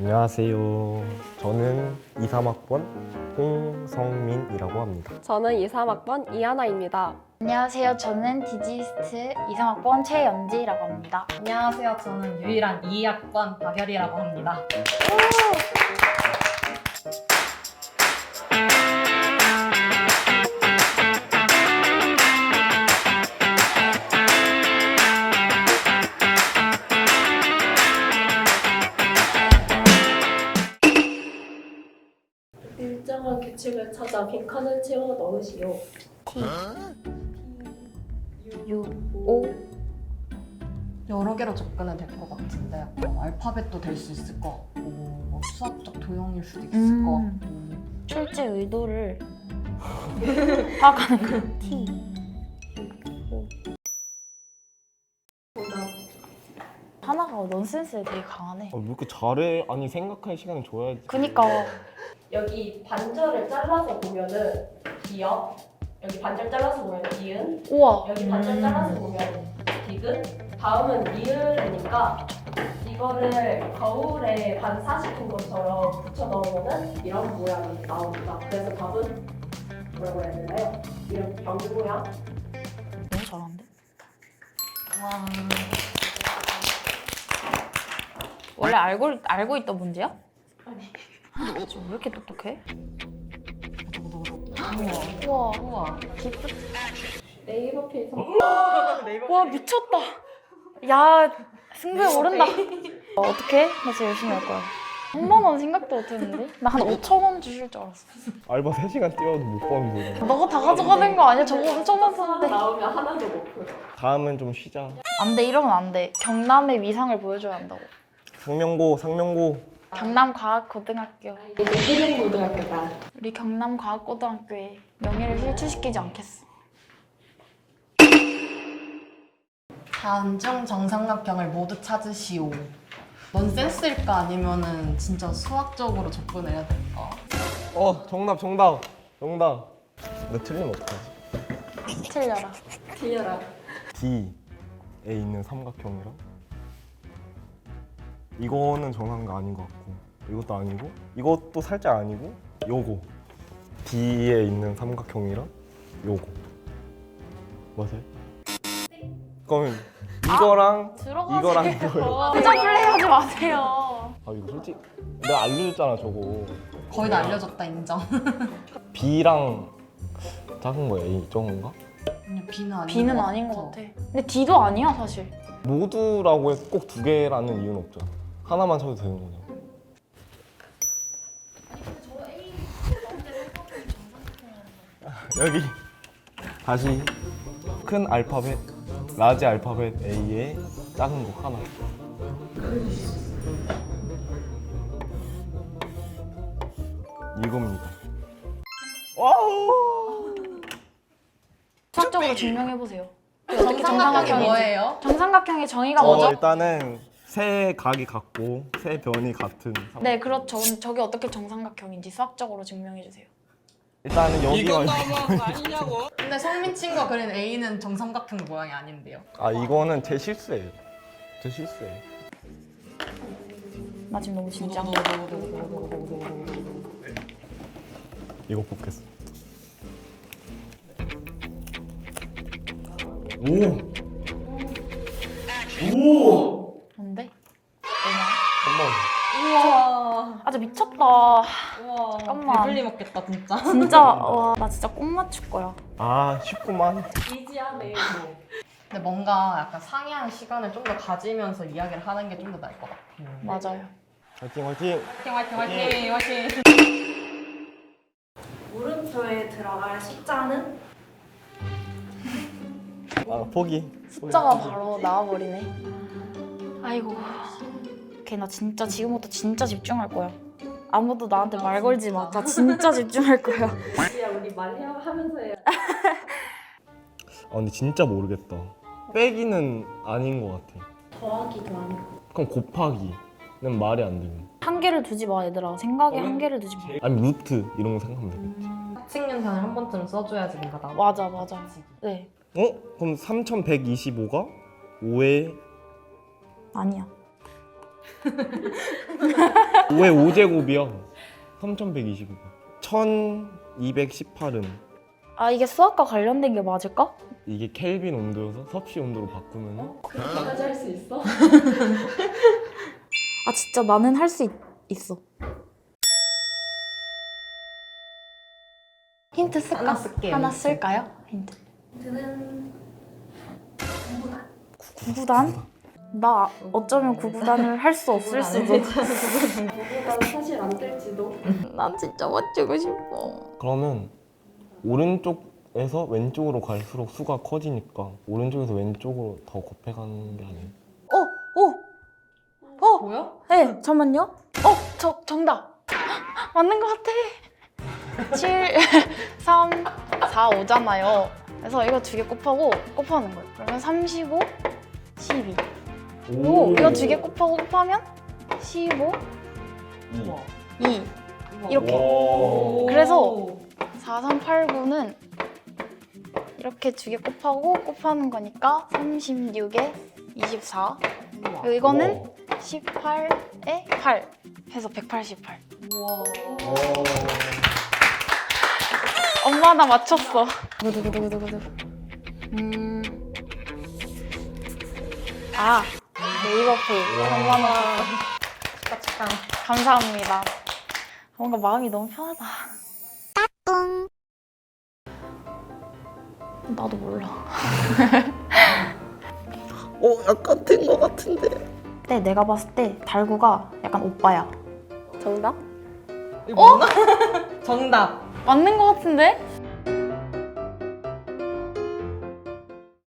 안녕하세요. 저는 2, 3학번 홍성민이라고 합니다. 저는 2, 3학번 이하나입니다. 안녕하세요. 저는 디지스트 2, 3학번 최연지라고 합니다. 안녕하세요. 저는 유일한 2학번 박열이라고 합니다. 일정한 규칙을 찾아 빈칸을 채워 넣으시오. T, U, O. 여러 개로 접근은 될 것 같은데 약간 알파벳도 될 수 있을 것 같고 뭐 수학적 도형일 수도 있을 것 같고 출제 의도를 파악하는 거. T, U, O. 하나가 넌센스에 되게 강하네. 왜 이렇게 잘해? 아니 생각할 시간을 줘야지. 그니까 여기 반절을 잘라서 보면은 기역, 여기 반절 잘라서 보면 기은, 우와. 여기 반절 잘라서 보면 디귿, 다음은 리을이니까 이거를 거울에 반사시킨 것처럼 붙여 넣으면은 이런 모양이 나옵니다. 그래서 답은 뭐라고 해야 되나요? 이런 병 모양. 너무 잘하는데? 와 원래 알고 있던 문제야? 아니. 왜 이렇게 똑똑해? 우와. 우와 네이버 페이서 와 미쳤다. 야 승부에 오른다. 어떻게? 나 진짜 열심히 할 거야. 3만 원 생각도 못했는데? 나 한 5천 원 주실 줄 알았어. 알바 3시간 뛰어도 못 버는 거. 너가 다 가져가는 거 아니야? 저거 엄청 많았는데. 나오면 하나도 못 풀어. 다음은 좀 쉬자. 안 돼, 이러면 안 돼. 경남의 위상을 보여줘야 한다고. 상명고. 경남과학고등학교. 이제 희룡고등학교다. 우리 경남과학고등학교의 명예를 실추시키지 않겠어. 다음 중 정삼각형을 모두 찾으시오. 넌센스일까 아니면은 진짜 수학적으로 접근을 해야 될까? 정답. 나 틀리면 어떡하지? 틀려라. 틀려라. D에 있는 삼각형이랑 이거는 정상가 아닌 것 같고 이것도 아니고 이것도 살짝 아니고 요거 D에 있는 삼각형이랑 요거 맞아요? 그러면 이거랑 이거랑 이거요. 표정 플레이 하지 마세요. 아 이거 솔직히 내가 알려줬잖아 저거. 거의 다 알려줬다 인정. B랑 작은 거 A 적은가? 그냥 B는 아닌 B는 것 아닌 것 같아. 근데 D도 아니야, 사실. 모두라고 해서 꼭 2개라는 이유는 없잖아. 하나만 쳐도 되는 거잖아. 여기 다시 큰 알파벳 라지 알파벳 A에 작은 거 하나. 이겁니다. 와우. 수학적으로 증명해보세요. 정삼각형이 뭐예요? 정삼각형의 정의가 뭐죠? 일단은 세 각이 같고 세 변이 같은. 네, 그렇죠. 그럼 저게 어떻게 정삼각형인지 수학적으로 증명해주세요. 일단은 여기가 근데 성민 친구가 그린 A는 정삼각형 모양이 아닌데요. 이거는 제 실수예요. 나 지금 너무 진지한 거. 이거 뽑겠습니다. 뭔데? 한번 우와 아, 저 미쳤다. 우와 잠깐만. 배불리 먹겠다 진짜. 진짜, 와, 나 진짜 꼭 맞출 거야. 쉽구만. 이지하네. 근데 뭔가 약간 상의하는 시간을 좀 더 가지면서 이야기를 하는 게 좀 더 나을 것 같아요. 맞아요. 화이팅. 화이팅. 물음표에 들어갈 숫자는 포기. 숫자가 바로 나와버리네. 아이고. 오케이, 나 진짜 지금부터 진짜 집중할 거야. 아무도 나한테 말 걸지 마. 나 진짜 집중할 거야. 이지야 우리 말하면서 해야 돼. 근데 진짜 모르겠다. 빼기는 아닌 것 같아. 더하기도 아니고. 그럼 곱하기는 말이 안 되는. 한계를 두지 마, 얘들아. 생각에 한계를 두지 마. 아니 루트 이런 거 생각하면 되겠지. 합칙연산을 한 번쯤 써줘야지 뭔가 나. 맞아. 네. 그럼 3125가 5에 아니야. 왜 5제곱이야? 3129번. 1218은 아 이게 수학과 관련된 게 맞을까? 이게 켈빈 온도여서 섭씨 온도로 바꾸면은 그렇게까지 할 수 있어? 아 진짜 나는 할 수 있어. 힌트 쓸까? 하나 쓸게요, 하나 힌트. 쓸까요? 힌트. 저는 구구단? 나 어쩌면 구구단을 할 수 없을 수도. 누구보다 사실 안 될지도. 난 진짜 맞추고 싶어. 그러면 오른쪽에서 왼쪽으로 갈수록 수가 커지니까 오른쪽에서 왼쪽으로 더 곱해가는 게 아니에요? 뭐야? 네, 잠만요. 정답. 맞는 것 같아. 7, 3, 4, 5잖아요. 그래서 이거 두 개 곱하는 거예요. 그러면 35, 12. 오, 이거 두 개 곱하면 15, 2. 이렇게. 오. 그래서 4, 3, 8, 9는 이렇게 두 개 곱하는 거니까 36에 24. 그리고 이거는 18에 8 해서 188. 우와. 엄마 나 맞췄어. 두구두구두구두구. 아 네이버 페이 3만 원. 축하. 감사합니다. 뭔가 마음이 너무 편하다. 나도 몰라. 약간 된 거 같은데. 근데 내가 봤을 때 달구가 약간 오빠야. 정답? 이거 맞나? 정답. 맞는 것 같은데?